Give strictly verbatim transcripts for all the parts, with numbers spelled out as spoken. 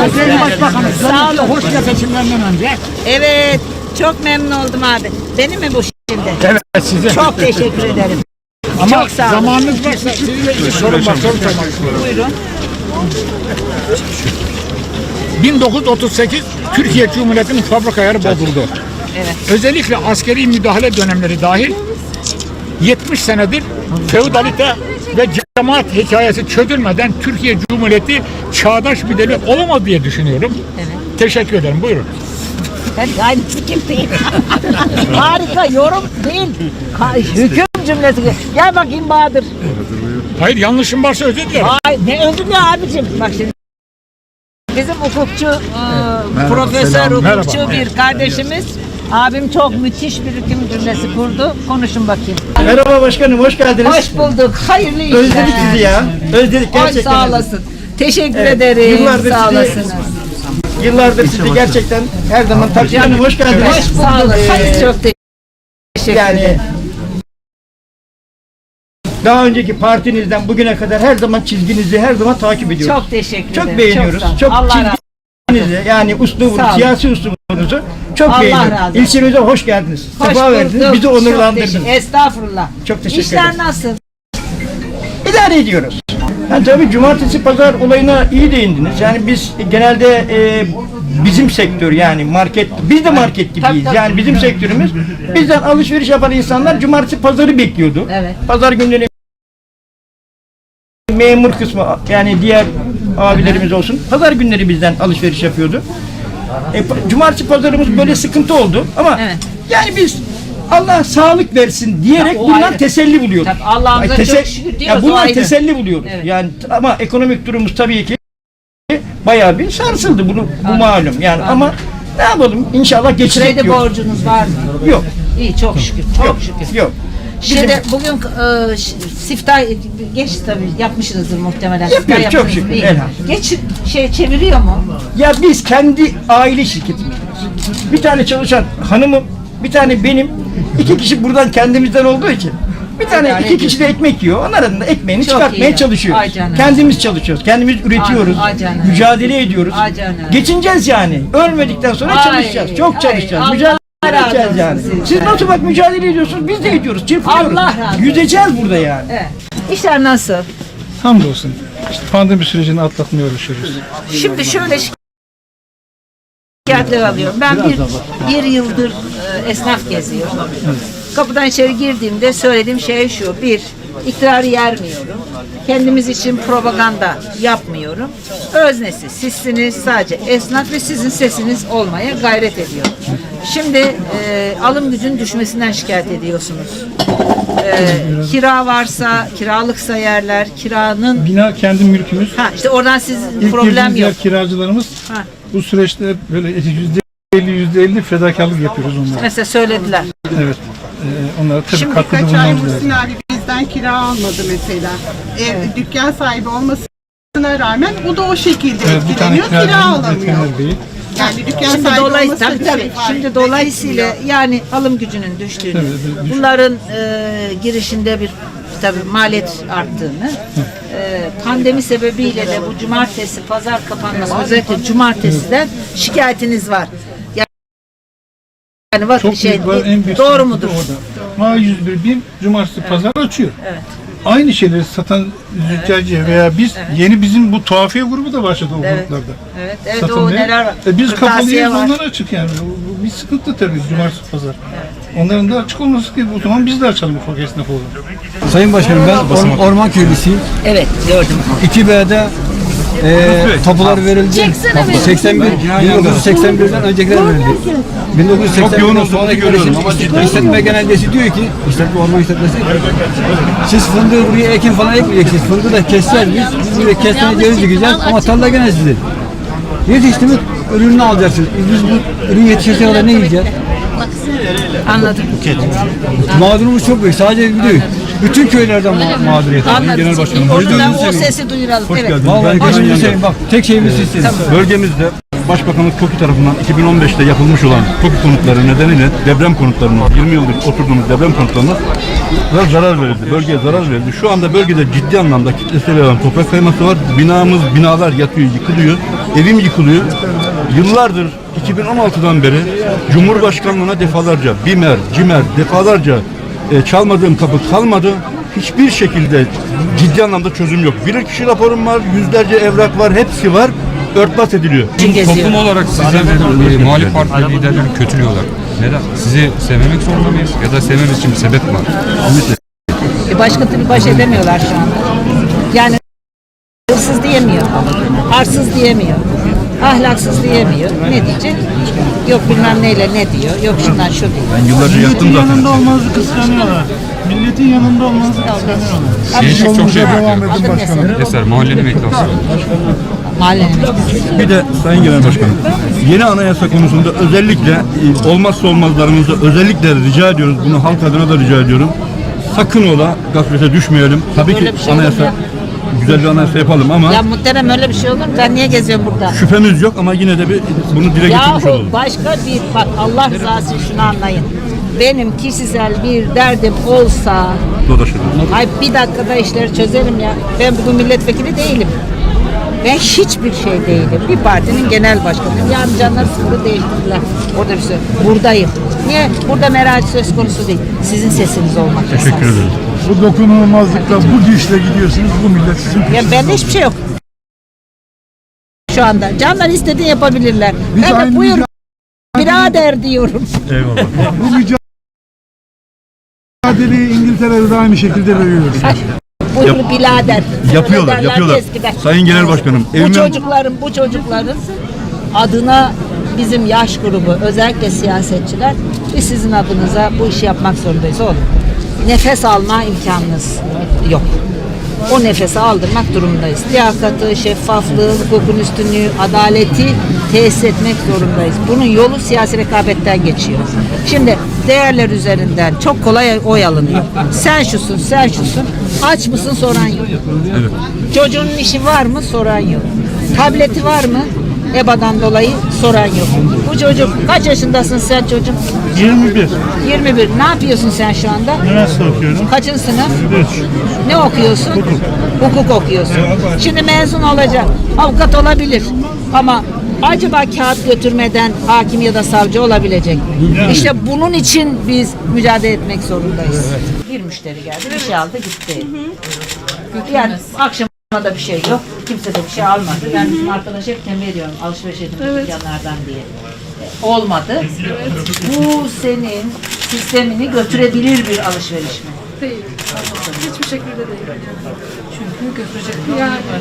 Sayın Başbakanım, Sağ olun. hoş geldin seçimlerden önce. Evet, çok memnun oldum abi. Benim mi bu şimdi? Evet, size. Çok teşekkür ederim. Ama çok sağ olun. zamanınız varsa size bir sorum var, soru sormak istiyorum. Buyurun. bin dokuz yüz otuz sekiz Türkiye Cumhuriyeti'nin fabrika ayarı bozuldu. Evet. Özellikle askeri müdahale dönemleri dahil yetmiş senedir feodalite ve cemaat hikayesi çözülmeden Türkiye Cumhuriyeti çağdaş bir devlet olamaz diye düşünüyorum. Evet. Teşekkür ederim. Buyurun. Ben aynısı kim değil. Harika, yorum değil. Ka- Hüküm cümlesi. Gel bakayım Bahadır. Hayır, yanlışım varsa özür dilerim. Ay, ne öldü ne abicim? Bak şimdi. Bizim hukukçu, e, profesör selam, hukukçu merhaba. bir kardeşimiz. Abim çok müthiş bir hüküm cümlesi kurdu. Konuşun bakayım. Merhaba başkanım, hoş geldiniz. Hoş bulduk. Hayırlı işler. Özledik sizi ya. Özledik Ay, gerçekten. sağ özledik. olasın. Teşekkür Evet, ederim. yıllardır Sağ sizi- olasınız. Yıllardır sizi gerçekten her zaman takip ediyorum. Hoş geldiniz. Hoş bulduk. Ee, Çok teşekkür yani ederim. daha önceki partinizden bugüne kadar her zaman çizginizi her zaman takip ediyoruz. Çok teşekkür Çok ederim. beğeniyoruz. sağ olun. Çok, Allah razı olsun. çizginizi yani uslubunuzu, Sağ olun. siyasi uslubunuzu çok Allah beğeniyoruz. razı olsun. İlçemize hoş geldiniz. Hoş Sefa verdiniz. bulduk. Bizi Çok onurlandırdınız. teşekkür- Estağfurullah. Çok teşekkür İşler ederim. nasıl? İdare ediyoruz. Yani tabii cumartesi pazar olayına iyi değindiniz. Yani biz genelde e, bizim sektör yani market, biz de market gibiyiz. Tabii, tabii. Yani bizim sektörümüz bizden alışveriş yapan insanlar cumartesi pazarı bekliyordu. Evet. Pazar günleri memur kısmı yani diğer abilerimiz olsun pazar günleri bizden alışveriş yapıyordu. E, pa- cumartesi pazarımız böyle sıkıntı oldu ama Evet. yani biz Allah sağlık versin diyerek Ya, o bundan ayrı. teselli buluyoruz. Tabii, Allah'ımıza Ay, çok şükür diyoruz, Ya o bundan ayrı. teselli buluyoruz. Evet. Yani t- ama ekonomik durumumuz tabii ki bayağı bir sarsıldı bunu bu Anladım. malum. Yani Anladım. ama ne yapalım inşallah geçecek Kredi diyor. borcunuz var mı? Yok. İyi, çok şükür. Çok Yok. şükür. Yok. Şimdi bugün e, ş- siftah geç tabii yapmışsınızdır muhtemelen. Yapıyoruz, Siftah çok yaptınız, şükür, iyi. elhamdülillah. Geç şey çeviriyor mu? Ya biz kendi aile şirketimiz. Bir tane çalışan hanımım, bir tane benim, iki kişi buradan kendimizden olduğu için bir tane İdare iki kişi de ekmek yiyor. Onların da ekmeğini Çok çıkartmaya iyi. çalışıyoruz. Ay canım. Kendimiz çalışıyoruz. Kendimiz üretiyoruz. Ay canım. Mücadele ediyoruz. Ay canım. Geçineceğiz yani. Ölmedikten sonra Ay, çalışacağız. Çok ay, çalışacağız. Allah Mücadele razı edeceğiz olsun yani. sizden. Siz nasıl bak mücadele ediyorsunuz? Biz de ediyoruz. Çırpınıyoruz. Allah razı olsun. Yüzeceğiz burada yani. Evet. İşler nasıl? Hamdolsun. İşte pandemi sürecini atlatmaya uğraşıyoruz. Şimdi şöyle şikayetler alıyorum. Ben bir, bir yıldır e, esnaf geziyorum. Kapıdan içeri girdiğimde söylediğim şey şu. Bir, iktidarı yermiyorum. Kendimiz için propaganda yapmıyorum. Öznesi sizsiniz, sadece esnaf ve sizin sesiniz olmaya gayret ediyorum. Şimdi e, alım gücün düşmesinden şikayet ediyorsunuz. E, kira varsa, kiralıksa yerler, kiranın... Bina kendi mülkümüz. Ha işte oradan sizin İlk problem girdiğimiz yok. yer kiracılarımız. Ha. Bu süreçte hep böyle yüzde elli yüzde elli fedakarlık yapıyoruz onlara. Mesela söylediler. Evet. Ee, onlara tabii Şimdi katkıda birkaç ay bulmamız Muhsin lazım. abi bizden kira almadı mesela. Ev, dükkan sahibi olmasına rağmen o da o şekilde Evet, bir tane etkileniyor, kira kiracımız alamıyor. Etkener Bey. Yani dükkan Şimdi sahibi dolayısıyla olması tabii tabii. Şimdi dolayısıyla yani alım gücünün düştüğünü, Evet, evet, düş- bunların e, girişinde bir tabii maliyet arttığını, e, pandemi sebebiyle de bu cumartesi pazar kapanması özellikle cumartesiden şikayetiniz var. Yani bak Çok şey büyük var, en büyük doğru sıkıntı mudur? da orada. Ma yüz bir bin cumartesi pazar açıyor. Evet. Aynı şeyleri satan züccacı veya biz yeni bizim bu tuhafiye grubu da başladı o Evet. gruplarda. Evet, evet Satılmaya. o neler var? E biz Kırtasiye kapalıyız var. onlar açık yani. Bu, bu bir sıkıntı tabii cumartesi pazar. Onların da açık olması ki o zaman biz de açalım ufak esnaf olalım. Sayın Başkanım ben Or- Orman Köylüsüyüm. Evet gördüm. iki B'de e, tapular verildi. seksen bir, bin dokuz yüz seksen birden öncekiler verildi. bin dokuz yüz seksen birden sonraki görüşüm işletme genelgesi diyor ki, işletme orman işletmesi, siz fındığı buraya ekin falan ekmeyeceksiniz. Fındığı da keseceğiz biz. Biz buraya kestane ceviz dikeceğiz ama tarla gene sizin. Yetiştirmek ürününü alacaksınız. Biz bu ürün yetişirse kadar ne yiyeceğiz? Anladım. Mağdurumuz çok büyük. Sadece bir değil. Bütün köylerden ma- mağduriyet. Anladım. Başkanım. Oradan o sesi duyuralım. Evet. Vallahi gözünüzü seveyim bak. Tek şeyimiz sizsiniz. Bölgemizde Başbakanlık TOKİ tarafından iki bin on beşte yapılmış olan TOKİ konutları nedeniyle deprem konutlarına, yirmi yıldır oturduğumuz deprem konutlarına zarar verildi. Bölgeye zarar verildi. Şu anda bölgede ciddi anlamda kitlesel olan toprak kayması var. Binamız, binalar yatıyor, yıkılıyor. Evim yıkılıyor. Yıllardır iki bin on altıdan beri Cumhurbaşkanlığına defalarca, BİMER, CİMER defalarca e, çalmadığım kapı kalmadı. Hiçbir şekilde ciddi anlamda çözüm yok. Bilirkişi raporum var, yüzlerce evrak var, hepsi var. Örtbas ediliyor. Toplum olarak size ve e, muhalif parti liderlerini kötülüyorlar. Neden? Sizi sevmemek zorunda mıyız? Ya da sevmemiz için bir sebep mi var? E başka türlü baş edemiyorlar şu anda. Yani hırsız diyemiyor, arsız diyemiyor, ahlaksız diyemiyor. Ne diyecek? Yok bilmem neyle ne diyor, yok şundan şu diyor. Ben yıllarca yattım Milletin zaten. yanında olmanızı kıskanıyorlar. Milletin yanında olmanızı kıskanıyorlar. Gençlik çok şey Devam bekliyor. edin başkanım. Eser mahallenin eklası. Mahallenin Bir de Sayın Genel Başkanım, yeni anayasa konusunda özellikle e, olmazsa olmazlarımızı özellikle rica ediyoruz. Bunu halk adına da rica ediyorum. Sakın ola gaflete düşmeyelim. Tabii Öyle ki bir şey olur mu anayasa ya? güzel bir anayasa yapalım ama Ya muhterem öyle bir şey olur mu? Ben niye geziyorum burada? şüphemiz yok ama yine de bir bunu dile getirmiş Yahu olalım. başka bir, bak Allah rızası için şunu anlayın. Benim kişisel bir derdim olsa, Dolaşırız. ay bir dakikada işleri çözerim ya. Ben bugün milletvekili değilim. Ben hiçbir şey değilim. Bir partinin genel başkanıyım. Yani canlar sıkıntı değiştirdiler. Orada bir şey. Buradayım. Niye? Burada merak söz konusu değil. Sizin sesiniz olmak Teşekkür esas. ederim. Bu dokunulmazlıkla, bu güçle gidiyorsunuz, bu millet sizin Ya bende hiçbir şey yok. Şu anda. Canlar istediğini yapabilirler. Biz Ben de aynı buyur birader diyorum. Eyvallah. bu mücadeleyi İngiltere'de de aynı şekilde veriyoruz. Buyur birader. Yapıyorlar, Öyle derlerdi yapıyorlar. eskiden. Sayın Genel Başkanım, Bu evimin- çocukların, bu çocukların adına bizim yaş grubu, özellikle siyasetçiler, biz sizin adınıza bu işi yapmak zorundayız oğlum. Nefes alma imkanınız yok. O nefesi aldırmak durumundayız. Liyakatı, şeffaflığı, hukukun üstünlüğü, adaleti tesis etmek zorundayız. Bunun yolu siyasi rekabetten geçiyor. Şimdi değerler üzerinden çok kolay oy alınıyor. Sen şusun, sen şusun. Aç mısın soran yok. Evet. Çocuğunun işi var mı soran yok. Tableti var mı? E B A'dan dolayı soran yok. Bu çocuk kaç yaşındasın sen çocuk? yirmi bir. yirmi bir. Ne yapıyorsun sen şu anda? Üniversite okuyorum. Kaçıncı sınıf? Ne okuyorsun? Hukuk. Hukuk okuyorsun. Şimdi mezun olacak. Avukat olabilir. Ama acaba kağıt götürmeden hakim ya da savcı olabilecek. İşte bunun için biz mücadele etmek zorundayız. Bir müşteri geldi, bir şey aldı gitti. Yani akşama da bir şey yok. Kimse de bir şey almadı. Ben bizim arkadaş hep tembih ediyorum alışveriş edin dükkanlardan diye. E, Olmadı. Bu senin sistemini götürebilir bir alışveriş mi? Değil. Hiçbir şekilde değil. Çünkü götürecek bir yer var.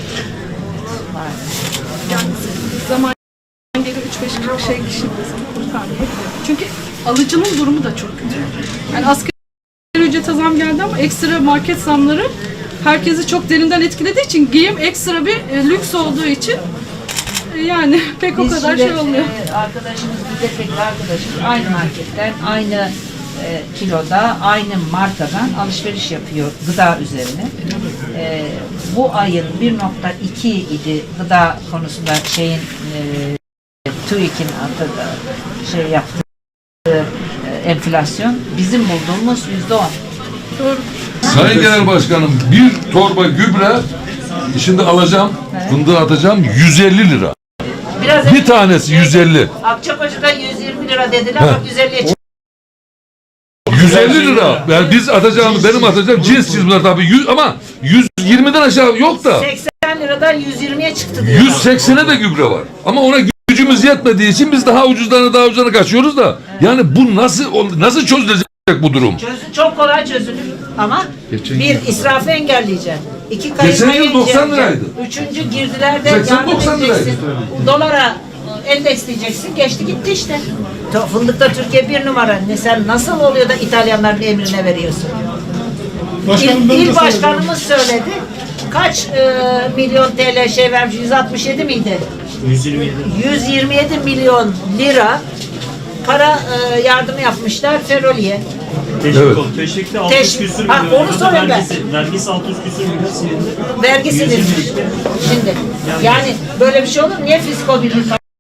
Yani zaman gelir üç beş kırk şey kişi kurtarmayabilir. Çünkü alıcının durumu da çok kötü. Yani asgari ücrete zam geldi ama ekstra market zamları herkesi çok derinden etkilediği için giyim ekstra bir e, lüks olduğu için e, yani pek o Biz kadar şimdi, şey olmuyor. e, arkadaşımız, milletvekili arkadaşımız aynı marketten, aynı e, kiloda, aynı markadan alışveriş yapıyor gıda üzerine. E, bu ayın bir nokta iki idi gıda konusunda şeyin e, TÜİK'in atıda şey yaptığı e, enflasyon bizim bulduğumuz yüzde on. Doğru. Sayın Genel Başkanım, bir torba gübre şimdi alacağım, fındığı atacağım yüz elli lira. Biraz Bir tanesi yüz elli. Akçakoca'da yüz yirmi lira dediler bak yüz elliye çıktı. yüz elli lira. Yani biz atacağımız, benim atacağım cins cins bunlar tabii. yüz, ama yüz yirmiden aşağı yok da. seksen liradan yüz yirmiye çıktı diyor. yüz seksene de gübre var. Ama ona gücümüz yetmediği için biz daha ucuzlarına daha ucuzlarına kaçıyoruz da. Yani bu nasıl nasıl çözülecek bu durum? Çözü çok kolay çözülür ama bir israfı engelleyeceksin. İki Geçen kayırmayı yıl doksan engelleyeceksin. liraydı. Üçüncü girdilerde seksen yardım doksan edeceksin. liraydı. Dolara endeksleyeceksin. Geçti gitti işte. To- Fındıkta Türkiye bir numara. Ne sen nasıl oluyor da İtalyanların emrine veriyorsun? Başkanım, İl, ben de il başkanımız söyledi. Kaç e, milyon T L şey vermiş? yüz altmış yedi miydi? yüz yirmi yedi. yüz yirmi yedi milyon lira para e, yardımı yapmışlar Feroli'ye. Evet. Teşvikte altı yüz Teş- küsür Ha, milyon. onu soruyorum ben. Vergisi, vergisi altı yüz küsür milyon silindi. Vergi silinmiş. Şimdi yani böyle bir şey olur mu? Niye fisko birlik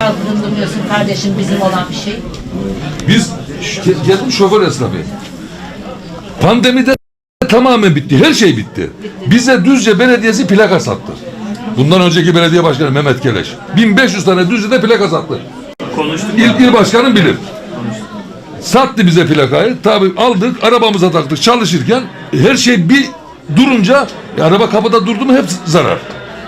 kalkındırmıyorsun kardeşim bizim olan bir şey? Biz ş- geldim şoför esnafı. Pandemide tamamen bitti. Her şey bitti. Bize Düzce Belediyesi plaka sattı. Bundan önceki belediye başkanı Mehmet Keleş. bin beş yüz tane Düzce'de plaka sattı. Konuştuk. İl, il başkanım bilir. Sattı bize plakayı. Tabii aldık, arabamıza taktık çalışırken her şey bir durunca e, araba kapıda durdu mu hep zarar.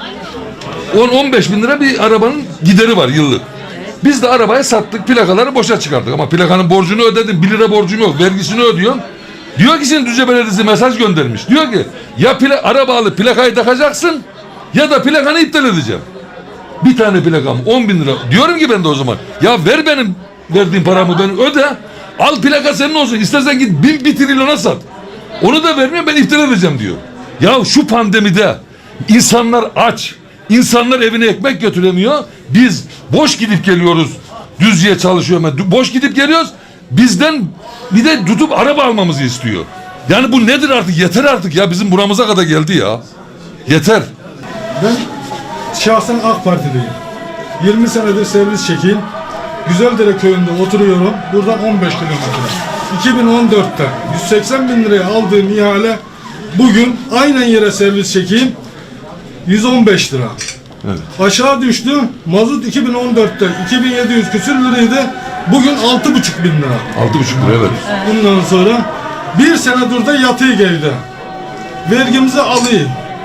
on on beş bin lira bir arabanın gideri var yıllık. Biz de arabayı sattık, plakaları boşa çıkarttık. Ama plakanın borcunu ödedim, bir lira borcum yok, vergisini ödüyorum. Diyor ki şimdi Düzce Belediyesi mesaj göndermiş. Diyor ki ya pla araba alıp plakayı takacaksın ya da plakanı iptal edeceğim. Bir tane plakam on bin lira. Diyorum ki ben de o zaman ya ver benim verdiğim paramı ben öde. Al plaka senin olsun. İstersen git bin bir trilyona sat. Onu da vermiyorum ben iptal edeceğim diyor. Ya şu pandemide insanlar aç. İnsanlar evine ekmek götüremiyor. Biz boş gidip geliyoruz. Düzce'ye çalışıyor. Boş gidip geliyoruz. Bizden bir de tutup araba almamızı istiyor. Yani bu nedir artık? Yeter artık ya. Bizim buramıza kadar geldi ya. Yeter. Ben şahsen AK Partiliyim. yirmi senedir servis çekeyim. Güzeldere köyünde oturuyorum. Buradan on beş kilometre. iki bin on dörtte yüz seksen bin liraya aldığım ihale bugün aynen yere servis çekeyim yüz on beş lira. Evet. Aşağı düştü. Mazot iki bin on dörtte iki bin yedi yüz küsür liraydı. Bugün altı buçuk bin lira. Altı buçuk lira evet. Bundan sonra bir senedir de yatıyor geldi. Vergimizi alayım.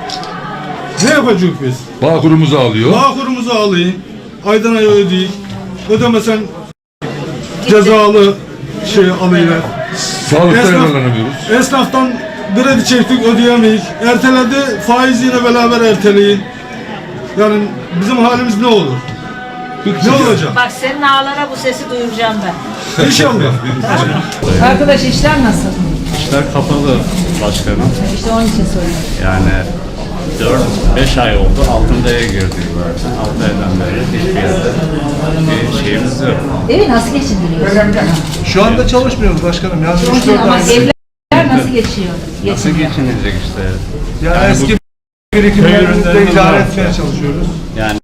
Ne yapacağız biz? Bağkurumuzu alıyor. Bağkurumuzu alayım. Aydan aya ödeyik. Ödemesen cezalı şey alıyorlar. Sağlıkta Esnaf- yararlanamıyoruz. Esnaftan kredi çektik ödeyemeyik. Erteledi faiziyle beraber erteleyin. Yani bizim halimiz ne olur? Ne olacak? Bak senin ağlara bu sesi duyuracağım ben. İnşallah. Arkadaş işler nasıl? İşler kapalı başkanım. İşte onun için soruyorum. Yani dört beş ay oldu. Altındaya girdik zaten. altı aydan beri hiçbir yerde bir şeyimiz yok. Evi nasıl geçindiriyorsun? Şu anda çalışmıyoruz başkanım. Yani üç dört Ama ay. evler nasıl geçiyor? Nasıl Geçiniyor. geçinilecek işte? Yani Yani eski köy birikimlerimizle ürünlerimiz idare var. etmeye çalışıyoruz. Yani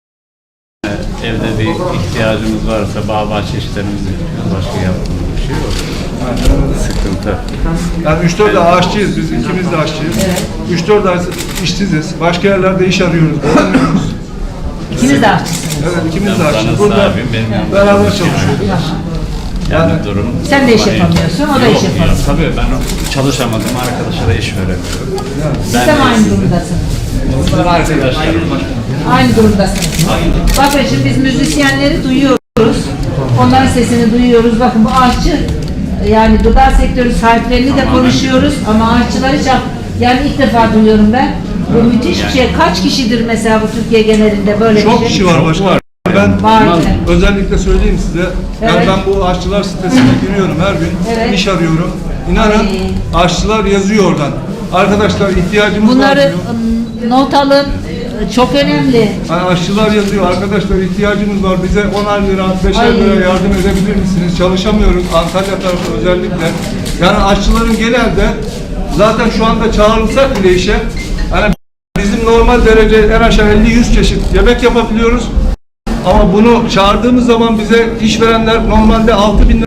e, evde bir ihtiyacımız varsa bağ bahçe işlerimizi yapıyoruz. Başka yaptığımız bir şey yok. Sıkıntı. Yani üç dört ay aşçıyız biz, ikimiz de aşçıyız. üç dört ay işsiziz. Başka yerlerde iş arıyoruz. bulamıyoruz. İkiniz de aşçısınız. Evet, ikimiz de Ben aşçıyız. bana Burada sahibim, benim yanımda beraber çalışıyor. çalışıyoruz. Yani durum... Sen de iş Hani- yapamıyorsun, o da Yok iş yapamıyor. ya, tabii ben çalışamadım, arkadaşa da iş veremiyorum. Siz de mi aynı durumdasınız? Ben arkadaşlarım var. Aynı durumdasınız. Bakın şimdi biz müzisyenleri duyuyoruz. Onların sesini duyuyoruz. Bakın bu aşçı yani gıda sektörü sahiplerini de konuşuyoruz ama aşçıları hiç yani ilk defa duyuyorum ben. Bu müthiş bir şey. Kaç kişidir mesela bu Türkiye genelinde böyle bir Çok şey? kişi var başkanım. Ben Var. özellikle söyleyeyim size. Yani Evet. ben bu aşçılar sitesine giriyorum her gün. Evet. İş arıyorum. İnanın aşçılar yazıyor oradan. Arkadaşlar ihtiyacımız var Bunları diyor. ım, not alın. Çok önemli. Yani aşçılar yazıyor. Arkadaşlar ihtiyacımız var. Bize onar lira, beşer Ay. lira yardım edebilir misiniz? Çalışamıyoruz. Antalya tarafı özellikle. Yani aşçıların genelde zaten şu anda çağrılsak bile işe yani bizim normal derece en aşağı elli yüz çeşit yemek yapabiliyoruz. Ama bunu çağırdığımız zaman bize işverenler normalde altı bin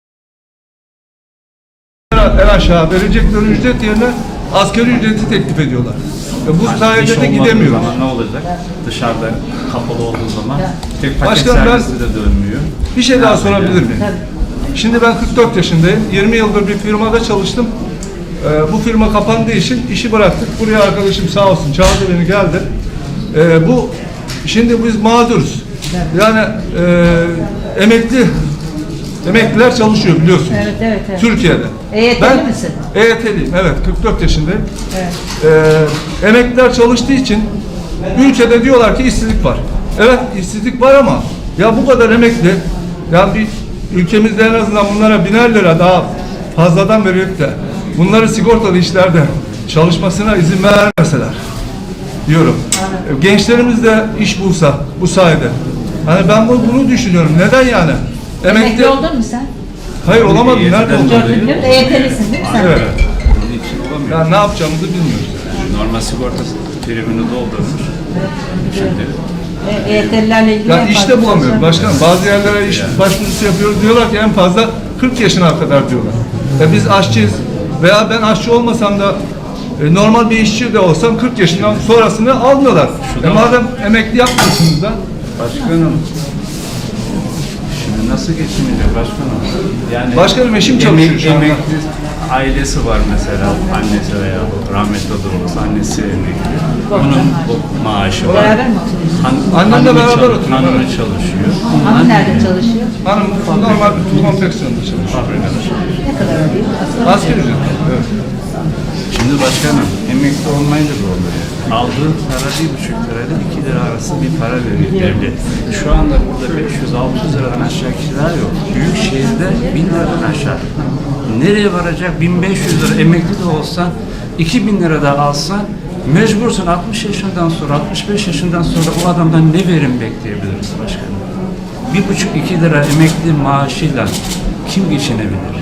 lira en aşağı verecekleri ücret yerine asgari ücreti teklif ediyorlar. Ve bu İş sayede de olmadığı gidemiyoruz. zaman ne olacak? Dışarıda kapalı olduğu zaman tek paket Başkanım, ben- servisi de dönmüyor. Bir şey daha sorabilir miyim? Tabii. Şimdi ben kırk dört yaşındayım. yirmi yıldır bir firmada çalıştım. Ee, bu firma kapandığı için işi bıraktık. Buraya arkadaşım sağ olsun çağırdı beni geldi. Ee, bu şimdi biz mağduruz. Yani e, emekli emekliler çalışıyor biliyorsunuz. Evet, evet, evet. Türkiye'de. E Y T'li misin? E Y T'liyim evet kırk dört yaşındayım. Evet. Ee, emekliler çalıştığı için ülkede diyorlar ki işsizlik var. Evet işsizlik var ama ya bu kadar emekli yani bir ülkemizde en azından bunlara biner lira daha fazladan verip de bunları sigortalı işlerde çalışmasına izin vermeseler diyorum. Evet. Gençlerimiz de iş bulsa bu sayede. Hani ben bu- bunu düşünüyorum. Neden yani? Emekli oldun mu sen? Hayır olamadım. Nerede oldum? Gördün mü? E Y T'lisin değil mi sen? Evet. de? Bunun için olamıyor. Yani ne yapacağımızı bilmiyoruz. Normal sigorta primini doldurmuş. Şimdi E, E T L'lerle ilgili Ya en işte fazla bulamıyor çalışan- başkanım. Bazı yerlere iş başvurusu yapıyoruz diyorlar ki en fazla kırk yaşına kadar diyorlar. Ya biz aşçıyız veya ben aşçı olmasam da e, normal bir işçi de olsam kırk yaşından sonrasını almıyorlar. E madem emekli yapmıyorsunuz da Başkanım. Şimdi nasıl geçinecek başkanım? Yani Başkanım, eşim çalışıyor emek- şu anda. Emekli ailesi var mesela, annesi veya rahmetli olursa annesi emekli. Onun o maaşı var. Beraber mi oturuyorsunuz? Han- Annemle hanımı beraber çalış- oturuyoruz, Hanımı evet. çalışıyor. Hanım nerede çalışıyor? hanım normal bir konfeksiyonda çalışıyor. Fabrikada çalışıyor. Ne kadar alıyor? Asgari Asgari ücret. Evet. Şimdi başkanım emekli olmayınca da oluyor. Aldığı para bir buçuk lirayla iki lira arası bir para veriyor devlet. Şu anda burada beş yüz altı yüz liradan aşağı kira yok. Büyük şehirde bin liradan aşağı. Nereye varacak? bin beş yüz lira emekli de olsan, iki bin lira da alsan mecbursun altmış yaşından sonra, altmış beş yaşından sonra o adamdan ne verim bekleyebiliriz başkanım? Bir buçuk iki lira emekli maaşıyla kim geçinebilir?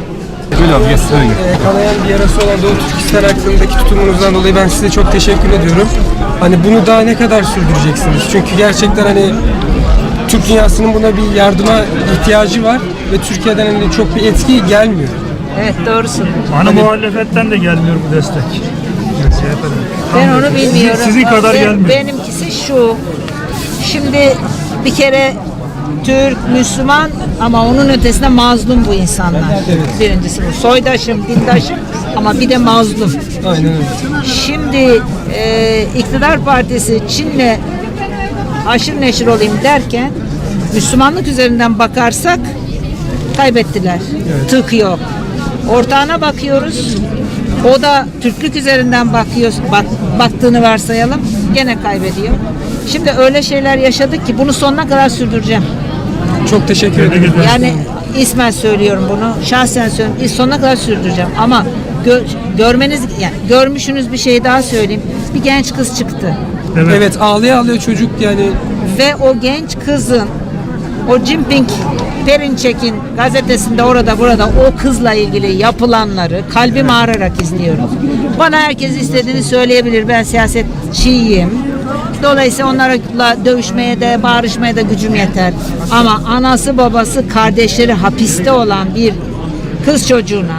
Ee, kanayan bir yarası olan Doğu Türkistan hakkındaki tutumunuzdan dolayı ben size çok teşekkür ediyorum. Hani bunu daha ne kadar sürdüreceksiniz? Çünkü gerçekten hani Türk dünyasının buna bir yardıma ihtiyacı var ve Türkiye'den hani çok bir etki gelmiyor. Evet doğrusun. Ana muhalefetten de gelmiyor bu destek. Ben onu bilmiyorum. Sizin kadar Ben- gelmiyor. Benimkisi şu. Şimdi bir kere Türk, Müslüman ama onun ötesinde mazlum bu insanlar. Birincisi bu. Soydaşım, dindaşım ama bir de mazlum. Aynen öyle. Şimdi e, iktidar partisi Çin'le aşırı neşir olayım derken Müslümanlık üzerinden bakarsak kaybettiler. Tık yok. Ortağına bakıyoruz. O da Türklük üzerinden bakıyor, bak, baktığını varsayalım. Gene kaybediyor. Şimdi öyle şeyler yaşadık ki bunu sonuna kadar sürdüreceğim. Çok teşekkür ederim. Yani ismen söylüyorum bunu. Şahsen söylüyorum. Sonuna kadar sürdüreceğim. Ama gö- görmeniz, yani görmüşsünüz bir şey daha söyleyeyim. Bir genç kız çıktı. Evet, ağlaya ağlaya çocuk yani. Ve o genç kızın o Jinping Perinçek'in gazetesinde orada burada o kızla ilgili yapılanları kalbim ağrırarak izliyorum. Bana herkes istediğini söyleyebilir. Ben siyasetçiyim. Dolayısıyla onlarla dövüşmeye de bağırışmaya da gücüm yeter. Ama anası babası kardeşleri hapiste olan bir kız çocuğuna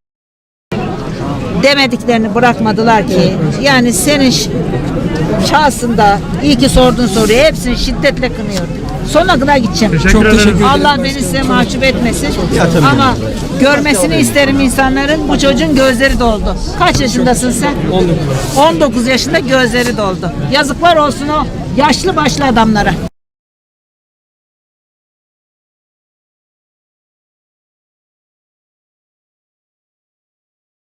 demediklerini bırakmadılar ki. Yani senin ş- şahsında iyi ki sorduğun soruyu hepsini şiddetle kınıyorum. Sonuna kadar gideceğim. Çok teşekkür ederim. Allah beni size mahcup etmesin. Ama görmesini isterim insanların. Bu çocuğun gözleri doldu. Kaç yaşındasın sen? on dokuz. on dokuz yaşında gözleri doldu. Yazıklar olsun o yaşlı başlı adamlara.